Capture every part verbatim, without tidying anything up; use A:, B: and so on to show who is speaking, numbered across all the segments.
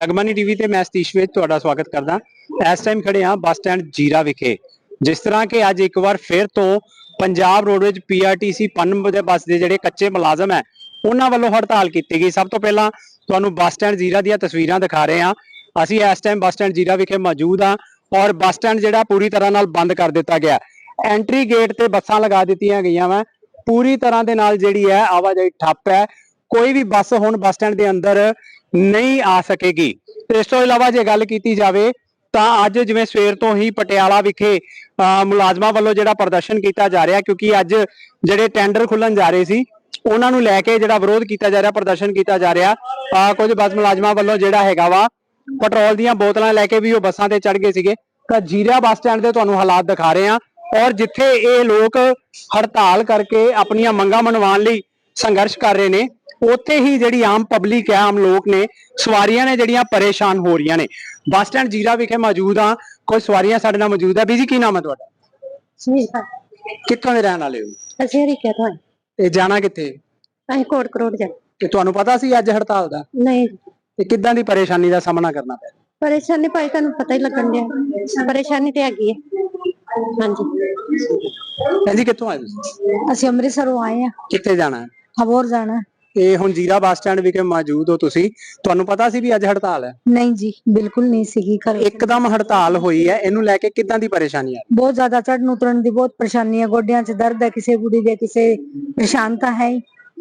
A: Jagbani TV ਤੇ ਮੈਂ ਸਤੀਸ਼ ਵਿੱਚ ਤੁਹਾਡਾ ਸਵਾਗਤ ਕਰਦਾ। ਇਸ ਟਾਈਮ ਖੜੇ ਹਾਂ ਬੱਸ ਸਟੈਂਡ ਜੀਰਾ ਵਿਖੇ। ਜਿਸ ਤਰ੍ਹਾਂ ਕਿ ਅੱਜ ਇੱਕ ਵਾਰ ਫਿਰ ਤੋਂ ਪੰਜਾਬ ਰੋਡਵੇਜ਼ ਪੀਆਰਟੀਸੀ ਪਨ ਦੇ ਬੱਸ ਦੇ ਜਿਹੜੇ ਕੱਚੇ ਮੁਲਾਜ਼ਮ ਹੈ ਉਹਨਾਂ ਵੱਲੋਂ ਹੜਤਾਲ ਕੀਤੀ ਗਈ। ਸਭ ਤੋਂ ਪਹਿਲਾਂ ਤੁਹਾਨੂੰ ਬੱਸ ਸਟੈਂਡ ਜੀਰਾ ਦੀਆਂ ਤਸਵੀਰਾਂ ਦਿਖਾ ਰਹੇ ਹਾਂ। ਅਸੀਂ ਇਸ ਟਾਈਮ ਬੱਸ ਸਟੈਂਡ ਜੀਰਾ ਵਿਖੇ ਮੌਜੂਦ ਹਾਂ ਔਰ ਬੱਸ ਸਟੈਂਡ ਜਿਹੜਾ ਪੂਰੀ ਤਰ੍ਹਾਂ ਨਾਲ ਬੰਦ ਕਰ ਦਿੱਤਾ ਗਿਆ। ਐਂਟਰੀ ਗੇਟ ਤੇ ਬੱਸਾਂ ਲਗਾ ਦਿੱਤੀਆਂ ਗਈਆਂ ਵਾ। ਪੂਰੀ ਤਰ੍ਹਾਂ ਦੇ ਨਾਲ ਜਿਹੜੀ ਹੈ ਆਵਾਜਾਈ ਠੱਪ ਹੈ। ਕੋਈ ਵੀ ਬੱਸ ਹੁਣ ਬੱਸ ਸਟੈਂਡ ਦੇ ਅੰਦਰ ਨਹੀਂ ਆ ਸਕੇਗੀ। ਇਸ ਤੋਂ ਇਲਾਵਾ ਜੇ ਗੱਲ ਕੀਤੀ ਜਾਵੇ ਤਾਂ ਅੱਜ ਜਿਵੇਂ ਸਵੇਰ ਤੋਂ ਹੀ ਪਟਿਆਲਾ ਵਿਖੇ ਮੁਲਾਜ਼ਮਾਂ ਵੱਲੋਂ ਜਿਹੜਾ ਪ੍ਰਦਰਸ਼ਨ ਕੀਤਾ ਜਾ ਰਿਹਾ, ਕਿਉਂਕਿ ਅੱਜ ਜਿਹੜੇ ਟੈਂਡਰ ਖੁੱਲਣ ਜਾ ਰਹੇ ਸੀ ਉਹਨਾਂ ਨੂੰ ਲੈ ਕੇ ਜਿਹੜਾ ਵਿਰੋਧ ਕੀਤਾ ਜਾ ਰਿਹਾ, ਪ੍ਰਦਰਸ਼ਨ ਕੀਤਾ ਜਾ ਰਿਹਾ। ਆ ਕੁਝ ਬੱਸ ਮੁਲਾਜ਼ਮਾਂ ਵੱਲੋਂ ਜਿਹੜਾ ਹੈਗਾ ਵਾ ਪੈਟਰੋਲ ਦੀਆਂ ਬੋਤਲਾਂ ਲੈ ਕੇ ਵੀ ਉਹ ਬੱਸਾਂ ਤੇ ਚੜ ਗਏ ਸੀਗੇ। ਤਾਂ ਜੀਰਾ ਬੱਸ ਸਟੈਂਡ ਦੇ ਤੁਹਾਨੂੰ ਹਾਲਾਤ ਦਿਖਾ ਰਹੇ ਹਾਂ ਔਰ ਜਿੱਥੇ ਇਹ ਲੋਕ ਹੜਤਾਲ ਕਰਕੇ ਆਪਣੀਆਂ ਮੰਗਾਂ ਮਨਵਾਉਣ ਲਈ ਸੰਘਰਸ਼ ਕਰ ਰਹੇ ਨੇ, ਉੱਥੇ ਹੀ ਜਿਹੜੀ ਆਮ ਪਬਲਿਕ ਹੈ, ਆਮ ਲੋਕ ਨੇ, ਸਵਾਰੀਆਂ ਨੇ ਜਿਹੜੀਆਂ ਪਰੇਸ਼ਾਨ ਹੋ ਰਹੀਆਂ ਨੇ। ਬੱਸ ਸਟੈਂਡ ਜੀਰਾ ਵਿਖੇ ਮੌਜੂਦ ਆ, ਕੋਈ ਸਵਾਰੀਆਂ ਸਾਡੇ ਨਾਲ ਮੌਜੂਦ ਹੈ। ਬੀਜੀ ਕੀ ਨਾਮ ਹੈ ਤੁਹਾਡਾ?
B: ਸੁਨੀਤਾ।
A: ਕਿੱਥੋਂ ਦੇ ਰਹਿਣ ਵਾਲੇ ਹੋ?
B: ਅਸੀਂ ਹਰੀਕੇ ਤੋਂ।
A: ਤੇ ਜਾਣਾ ਕਿੱਥੇ?
B: ਅਸੀਂ ਕੋਟ ਕਰੋੜ ਜਾ।
A: ਤੇ ਤੁਹਾਨੂੰ ਪਤਾ ਸੀ ਅੱਜ ਹੜਤਾਲ ਦਾ?
B: ਨਹੀਂ।
A: ਤੇ ਕਿੱਦਾਂ ਦੀ ਪਰੇਸ਼ਾਨੀ ਦਾ ਸਾਹਮਣਾ ਕਰਨਾ ਪਿਆ?
B: ਪਰੇਸ਼ਾਨੀ ਭਾਈ ਤੁਹਾਨੂੰ ਪਤਾ ਹੀ ਲੱਗਣ ਡਿਆ, ਪਰੇਸ਼ਾਨੀ ਤੇ ਹੈਗੀ ਹੈ। ਹਾਂਜੀ।
A: ਹਾਂਜੀ, ਕਿੱਥੋਂ ਆਏ ਤੁਸੀਂ?
B: ਅਸੀਂ ਅੰਮ੍ਰਿਤਸਰੋਂ ਆਏ ਆ।
A: ਕਿੱਥੇ ਜਾਣਾ ਹੈ?
B: ਹਬੋਰ ਜਾਣਾ।
A: ਤੇ ਹੁਣ ਜੀਰਾ ਬੱਸ ਸਟੈਂਡ ਵਿਖੇ ਮੌਜੂਦ ਹੋ ਤੁਸੀਂ, ਤੁਹਾਨੂੰ ਪਤਾ ਸੀ ਵੀ ਅੱਜ ਹੜਤਾਲ ਹੈ?
B: ਨਹੀਂ ਜੀ, ਬਿਲਕੁਲ ਨਹੀਂ ਸੀਗੀ। ਘਰੇ
A: ਇੱਕਦਮ ਹੜਤਾਲ ਹੋਈ ਹੈ, ਇਹਨੂੰ ਲੈ ਕੇ ਕਿੱਦਾਂ ਦੀ ਪਰੇਸ਼ਾਨੀ ਆ?
B: ਬਹੁਤ ਜ਼ਿਆਦਾ ਚੜਨ ਉਤਰਨ ਦੀ ਬਹੁਤ ਪਰੇਸ਼ਾਨੀ ਹੈ। ਗੋਡਿਆਂ 'ਚ ਦਰਦ ਹੈ, ਕਿਸੇ ਕੁੜੀ ਦੇ ਕਿਸੇ ਪਰੇਸ਼ਾਨਤਾ ਹੈ।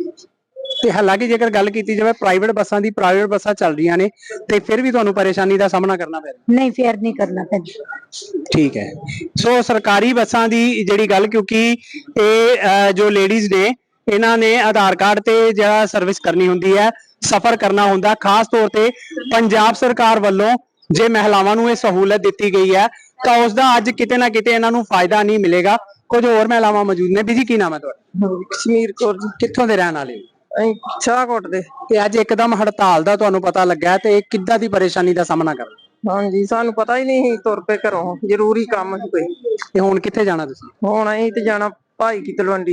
A: ਤੇ ਹਾਲਾਂਕਿ ਜੇਕਰ ਗੱਲ ਕੀਤੀ ਜਾਵੇ ਪ੍ਰਾਈਵੇਟ ਬੱਸਾਂ ਦੀ, ਪ੍ਰਾਈਵੇਟ ਬੱਸਾਂ ਚੱਲ ਰਹੀਆਂ ਨੇ, ਤੇ ਫਿਰ ਵੀ ਤੁਹਾਨੂੰ ਪਰੇਸ਼ਾਨੀ ਦਾ ਸਾਹਮਣਾ ਕਰਨਾ ਪੈ ਰਿਹਾ?
B: ਨਹੀਂ, ਫੇਰ ਨਹੀਂ ਕਰਨਾ ਪੈਂਦਾ।
A: ਠੀਕ ਹੈ। ਸੋ ਸਰਕਾਰੀ ਬੱਸਾਂ ਦੀ ਜਿਹੜੀ ਗੱਲ, ਕਿਉਂਕਿ ਇਹ ਜੋ ਲੇਡੀਜ਼ ਨੇ ਇਹਨਾਂ ਨੇ ਆਧਾਰ ਕਾਰਡ ਤੇ ਜਿਹੜਾ ਸਰਵਿਸ ਕਰਨੀ ਹੁੰਦੀ ਹੈ, ਸਫ਼ਰ ਕਰਨਾ ਹੁੰਦਾ, ਖਾਸ ਤੌਰ ਤੇ ਪੰਜਾਬ ਸਰਕਾਰ ਵੱਲੋਂ ਜੇ ਮਹਿਲਾਵਾਂ ਨੂੰ ਇਹ ਸਹੂਲਤ ਦਿੱਤੀ ਗਈ ਹੈ ਤਾਂ ਉਸ ਦਾ ਅੱਜ ਕਿਤੇ ਨਾ ਕਿਤੇ ਇਹਨਾਂ ਨੂੰ ਫਾਇਦਾ ਨਹੀਂ ਮਿਲੇਗਾ। ਕੁਝ ਹੋਰ ਮਹਿਲਾਵਾਂ ਮੌਜੂਦ ਨੇ। ਬੀਜੀ ਕੀ ਨਾਮ ਹੈ ਤੁਹਾਡਾ?
C: ਕਸ਼ਮੀਰ ਕੌਰ ਜੀ।
A: ਕਿੱਥੋਂ ਦੇ ਰਹਿਣ ਵਾਲੇ ਹੋ?
C: ਅਸੀਂ ਸ਼ਾਹਕੋਟ ਦੇ।
A: ਤੇ ਅੱਜ ਇੱਕਦਮ ਹੜਤਾਲ ਦਾ ਤੁਹਾਨੂੰ ਪਤਾ ਲੱਗਾ ਤੇ ਕਿੱਦਾਂ ਦੀ ਪਰੇਸ਼ਾਨੀ ਦਾ ਸਾਹਮਣਾ ਕਰਨਾ?
C: ਹਾਂਜੀ, ਸਾਨੂੰ ਪਤਾ ਹੀ ਨਹੀਂ, ਤੁਰ ਪਏ ਘਰੋਂ, ਜ਼ਰੂਰੀ ਕੰਮ ਸੀ ਕੋਈ।
A: ਤੇ ਹੁਣ ਕਿੱਥੇ ਜਾਣਾ ਤੁਸੀਂ?
C: ਹੁਣ ਅਸੀਂ ਤੇ ਜਾਣਾ ਭਾਈ ਕੀ ਤਲਵੰਡੀ।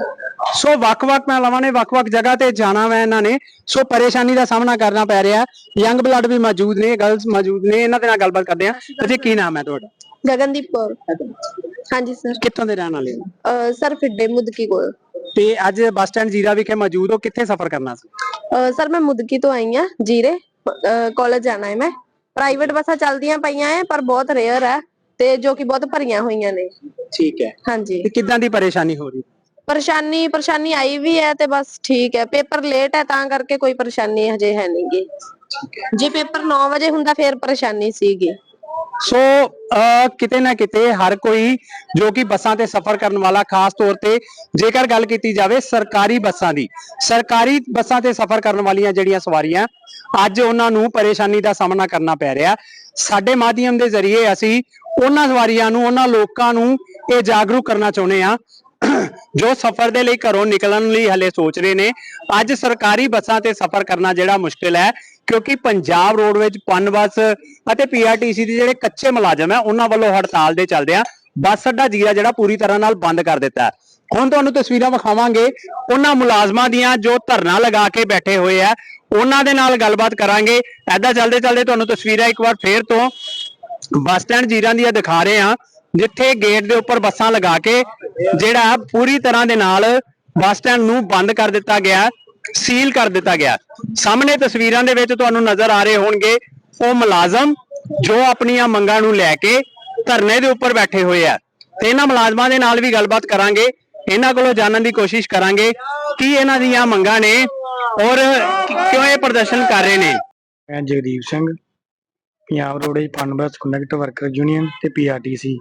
A: ਸੋ ਵੱਖ-ਵੱਖ ਮਹਿਲਾਵਾਂ ਨੇ ਵੱਖ-ਵੱਖ ਜਗ੍ਹਾ ਤੇ ਜਾਣਾ ਵਾ ਇਹਨਾਂ ਨੇ, ਸੋ ਪਰੇਸ਼ਾਨੀ ਦਾ ਸਾਹਮਣਾ ਕਰਨਾ ਪੈ ਰਿਹਾ। ਯੰਗ ਬਲੱਡ ਵੀ ਮੌਜੂਦ ਨੇ, ਗਰਲਸ ਮੌਜੂਦ ਨੇ, ਇਹਨਾਂ ਦੇ ਨਾਲ ਗੱਲਬਾਤ ਕਰਦੇ ਆ। ਅਜੇ ਕੀ ਨਾਮ ਹੈ ਤੁਹਾਡਾ?
D: ਗਗਨਦੀਪ ਕੌਰ। ਹਾਂਜੀ ਸਰ।
A: ਕਿੱਥੋਂ ਦੇ ਰਹਿਣ ਵਾਲੇ ਹੋ?
D: ਅਹ ਸਰ ਫਿੱਡੇ ਮੁਦਕੀ ਕੋਲ।
A: ਤੇ ਅੱਜ ਬੱਸ ਸਟੈਂਡ ਜੀਰਾ ਵਿਖੇ ਮੌਜੂਦ ਹੋ, ਕਿੱਥੇ ਸਫ਼ਰ ਕਰਨਾ ਸੀ?
D: ਅਹ ਸਰ ਮੈਂ ਮੁਦਕੀ ਤੋਂ ਆਈ ਆ ਜੀਰੇ, ਕਾਲਜ ਜਾਣਾ ਹੈ ਮੈਂ। ਪ੍ਰਾਈਵੇਟ ਬੱਸਾਂ ਚੱਲਦੀਆਂ ਪਈਆਂ ਹੈ ਪਰ ਬਹੁਤ ਰੇਅਰ ਹੈ ਤੇ ਜੋ ਕਿ ਬਹੁਤ ਭਰੀਆਂ ਹੋਈਆਂ ਨੇ।
A: ਠੀਕ ਹੈ।
D: ਹਾਂਜੀ।
A: ਤੇ ਕਿੱਦਾਂ ਦੀ ਪਰੇਸ਼ਾਨੀ ਹੋ ਰਹੀ?
D: ਪਰੇਸ਼ਾਨੀ ਪਰੇਸ਼ਾਨੀ ਆਈ ਵੀ ਹੈ ਤੇ ਬਸ ਠੀਕ ਹੈ। ਪੇਪਰ ਲੇਟ ਹੈ ਤਾਂ ਕਰਕੇ ਕੋਈ ਪਰੇਸ਼ਾਨੀ ਹਜੇ ਹੈ ਨੀ ਗੀ। ਜੇ ਪੇਪਰ ਨੌ ਵਜੇ ਹੁੰਦਾ ਫੇਰ ਪਰੇਸ਼ਾਨੀ ਸੀਗੀ।
A: ਸੋ ਕਿਤੇ ਨਾ ਕਿਤੇ ਹਰ ਕੋਈ ਜੋ ਕਿ ਬੱਸਾਂ ਤੇ ਸਫ਼ਰ ਕਰਨ ਵਾਲਾ, ਖਾਸ ਤੌਰ ਤੇ ਜੇਕਰ ਗੱਲ ਕੀਤੀ ਜਾਵੇ ਸਰਕਾਰੀ ਬੱਸਾਂ ਦੀ, ਸਰਕਾਰੀ ਬੱਸਾਂ ਤੇ ਸਫ਼ਰ ਕਰਨ ਵਾਲੀਆਂ ਜਿਹੜੀਆਂ ਸਵਾਰੀਆਂ, ਅੱਜ ਉਹਨਾਂ ਨੂੰ ਪਰੇਸ਼ਾਨੀ ਦਾ ਸਾਹਮਣਾ ਕਰਨਾ ਪੈ ਰਿਹਾ। ਸਾਡੇ ਮਾਧਿਅਮ ਦੇ ਜ਼ਰੀਏ ਅਸੀਂ ਉਹਨਾਂ ਸਵਾਰੀਆਂ ਨੂੰ, ਉਹਨਾਂ ਲੋਕਾਂ ਨੂੰ ਇਹ ਜਾਗਰੂਕ ਕਰਨਾ ਚਾਹੁੰਦੇ ਆ ਜੋ ਸਫ਼ਰ ਦੇ ਲਈ ਘਰੋਂ ਨਿਕਲਣ ਲਈ ਹਲੇ ਸੋਚ ਰਹੇ ਨੇ। ਅੱਜ ਸਰਕਾਰੀ ਬੱਸਾਂ ਤੇ ਸਫ਼ਰ ਕਰਨਾ ਜਿਹੜਾ ਮੁਸ਼ਕਿਲ ਹੈ, ਕਿਉਂਕਿ ਪੰਜਾਬ ਰੋਡਵੇਜ਼ ਪਨ ਬੱਸ ਅਤੇ ਪੀਆਰਟੀਸੀ ਦੇ ਜਿਹੜੇ ਕੱਚੇ ਮੁਲਾਜ਼ਮ ਹੈ ਉਹਨਾਂ ਵੱਲੋਂ ਹੜਤਾਲ ਦੇ ਚੱਲਦਿਆਂ ਬੱਸ ਅੱਡਾ ਜੀਰਾ ਜਿਹੜਾ ਪੂਰੀ ਤਰ੍ਹਾਂ ਨਾਲ ਬੰਦ ਕਰ ਦਿੱਤਾ ਹੈ। ਹੁਣ ਤੁਹਾਨੂੰ ਤਸਵੀਰਾਂ ਵਿਖਾਵਾਂਗੇ ਉਹਨਾਂ ਮੁਲਾਜ਼ਮਾਂ ਦੀਆਂ ਜੋ ਧਰਨਾ ਲਗਾ ਕੇ ਬੈਠੇ ਹੋਏ ਆ, ਉਹਨਾਂ ਦੇ ਨਾਲ ਗੱਲਬਾਤ ਕਰਾਂਗੇ। ਏਦਾਂ ਚੱਲਦੇ ਚੱਲਦੇ ਤੁਹਾਨੂੰ ਤਸਵੀਰਾਂ ਇੱਕ ਵਾਰ ਫੇਰ ਤੋਂ ਬੱਸ ਸਟੈਂਡ ਜੀਰਾ ਦੀਆਂ ਦਿਖਾ ਰਹੇ ਹਾਂ, ਜਿੱਥੇ ਗੇਟ ਦੇ ਉੱਪਰ ਬੱਸਾਂ ਲਗਾ ਕੇ ਜਿਹੜਾ ਪੂਰੀ ਤਰ੍ਹਾਂ ਦੇ ਨਾਲ ਬੱਸ ਸਟੈਂਡ ਨੂੰ ਬੰਦ ਕਰ ਦਿੱਤਾ ਗਿਆ, ਸੀਲ ਕਰ ਦਿੱਤਾ ਗਿਆ। ਸਾਹਮਣੇ ਤਸਵੀਰਾਂ ਦੇ ਵਿੱਚ ਤੁਹਾਨੂੰ ਨਜ਼ਰ ਆ ਰਹੇ ਹੋਣਗੇ ਉਹ ਮੁਲਾਜ਼ਮ ਜੋ ਆਪਣੀਆਂ ਮੰਗਾਂ ਨੂੰ ਲੈ ਕੇ ਧਰਨੇ ਦੇ ਉੱਪਰ ਬੈਠੇ ਹੋਏ ਆ। ਤੇ ਇਹਨਾਂ ਮੁਲਾਜ਼ਮਾਂ ਦੇ ਨਾਲ ਵੀ ਗੱਲਬਾਤ ਕਰਾਂਗੇ, ਇਹਨਾਂ ਕੋਲੋਂ ਜਾਣਨ ਦੀ ਕੋਸ਼ਿਸ਼ ਕਰਾਂਗੇ ਕੀ ਇਹਨਾਂ ਦੀਆਂ ਮੰਗਾਂ ਨੇ ਔਰ ਕਿਉਂ ਇਹ ਪ੍ਰਦਰਸ਼ਨ ਕਰ ਰਹੇ ਨੇ।
E: ਮੈਂ Jagdeep Singh, Punjab roadways Punbus conductor worker union ਤੇ ਪੀਆਰਟੀਸੀ।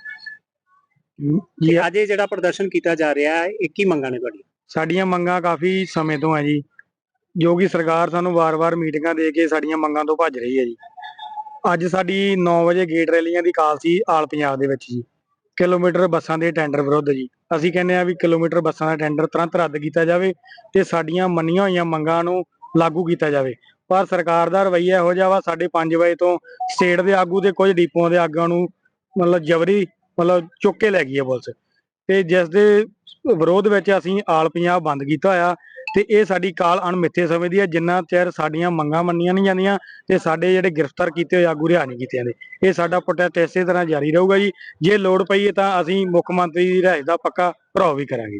A: ਜੀ ਅੱਜ ਇਹ ਜਿਹੜਾ ਪ੍ਰਦਰਸ਼ਨ ਕੀਤਾ ਜਾ ਰਿਹਾ ਹੈ, ਇਹ ਕੀ ਮੰਗਾਂ ਨੇ ਤੁਹਾਡੀਆਂ?
E: ਸਾਡੀਆਂ ਮੰਗਾਂ ਕਾਫੀ ਸਮੇਂ ਤੋਂ ਹੈ ਜੀ, ਜੋ ਕਿ ਸਰਕਾਰ ਸਾਨੂੰ ਵਾਰ-ਵਾਰ ਮੀਟਿੰਗਾਂ ਦੇ ਕੇ ਸਾਡੀਆਂ ਮੰਗਾਂ ਤੋਂ ਭੱਜ ਰਹੀ ਹੈ ਜੀ। ਅੱਜ ਸਾਡੀ ਨੌ ਵਜੇ ਗੇਟ ਰੈਲੀਆਂ ਦੀ ਕਾਲ ਸੀ ਆਲ ਪੰਜਾਬ ਦੇ ਵਿੱਚ ਜੀ, ਕਿਲੋਮੀਟਰ ਬੱਸਾਂ ਦੇ ਟੈਂਡਰ ਵਿਰੁੱਧ ਜੀ। ਅਸੀਂ ਕਹਿੰਦੇ ਆ ਵੀ ਕਿਲੋਮੀਟਰ ਬੱਸਾਂ ਦਾ ਟੈਂਡਰ ਤੁਰੰਤ ਰੱਦ ਕੀਤਾ ਜਾਵੇ ਤੇ ਸਾਡੀਆਂ ਮੰਨੀਆਂ ਹੋਈਆਂ ਮੰਗਾਂ ਨੂੰ ਲਾਗੂ ਕੀਤਾ ਜਾਵੇ। ਪਰ ਸਰਕਾਰ ਦਾ ਰਵੱਈਆ ਇਹੋ ਜਿਹਾ ਵਾ, ਸਾਡੇ ਪੰਜ ਵਜੇ ਤੋਂ ਸਟੇਟ ਦੇ ਆਗੂ ਤੇ ਕੁਝ ਡਿਪੂਆਂ ਦੇ ਆਗੂਆਂ ਨੂੰ ਮਤਲਬ ਜਬਰੀ ਮਤਲਬ ਚੁੱਕ ਕੇ ਲੈ ਗਈ ਹੈ ਪੁਲਿਸ, ਤੇ ਜਿਸ ਦੇ ਵਿਰੋਧ ਵਿੱਚ ਅਸੀਂ ਆਲ ਪੰਜਾਬ ਬੰਦ ਕੀਤਾ ਹੋਇਆ ਤੇ ਇਹ ਸਾਡੀ ਕਾਲ ਅਣਮਿੱਥੇ ਸਮੇਂ ਦੀ ਹੈ। ਜਿੰਨਾ ਚਿਰ ਸਾਡੀਆਂ ਮੰਗਾਂ ਮੰਨੀਆਂ ਨਹੀਂ ਜਾਂਦੀਆਂ ਤੇ ਸਾਡੇ ਜਿਹੜੇ ਗ੍ਰਿਫਤਾਰ ਕੀਤੇ ਹੋਏ ਆਗੂ ਰਿਹਾ ਨਹੀਂ ਕੀਤੇ ਜਾਂਦੇ, ਇਹ ਸਾਡਾ ਪ੍ਰੋਟੈਸਟ ਇਸੇ ਤਰ੍ਹਾਂ ਜਾਰੀ ਰਹੂਗਾ ਜੀ। ਜੇ ਲੋੜ ਪਈ ਤਾਂ ਅਸੀਂ ਮੁੱਖ ਮੰਤਰੀ ਦੀ ਰਿਹਾਇਸ਼ ਦਾ ਪੱਕਾ ਭਰਾਓ ਵੀ ਕਰਾਂਗੇ।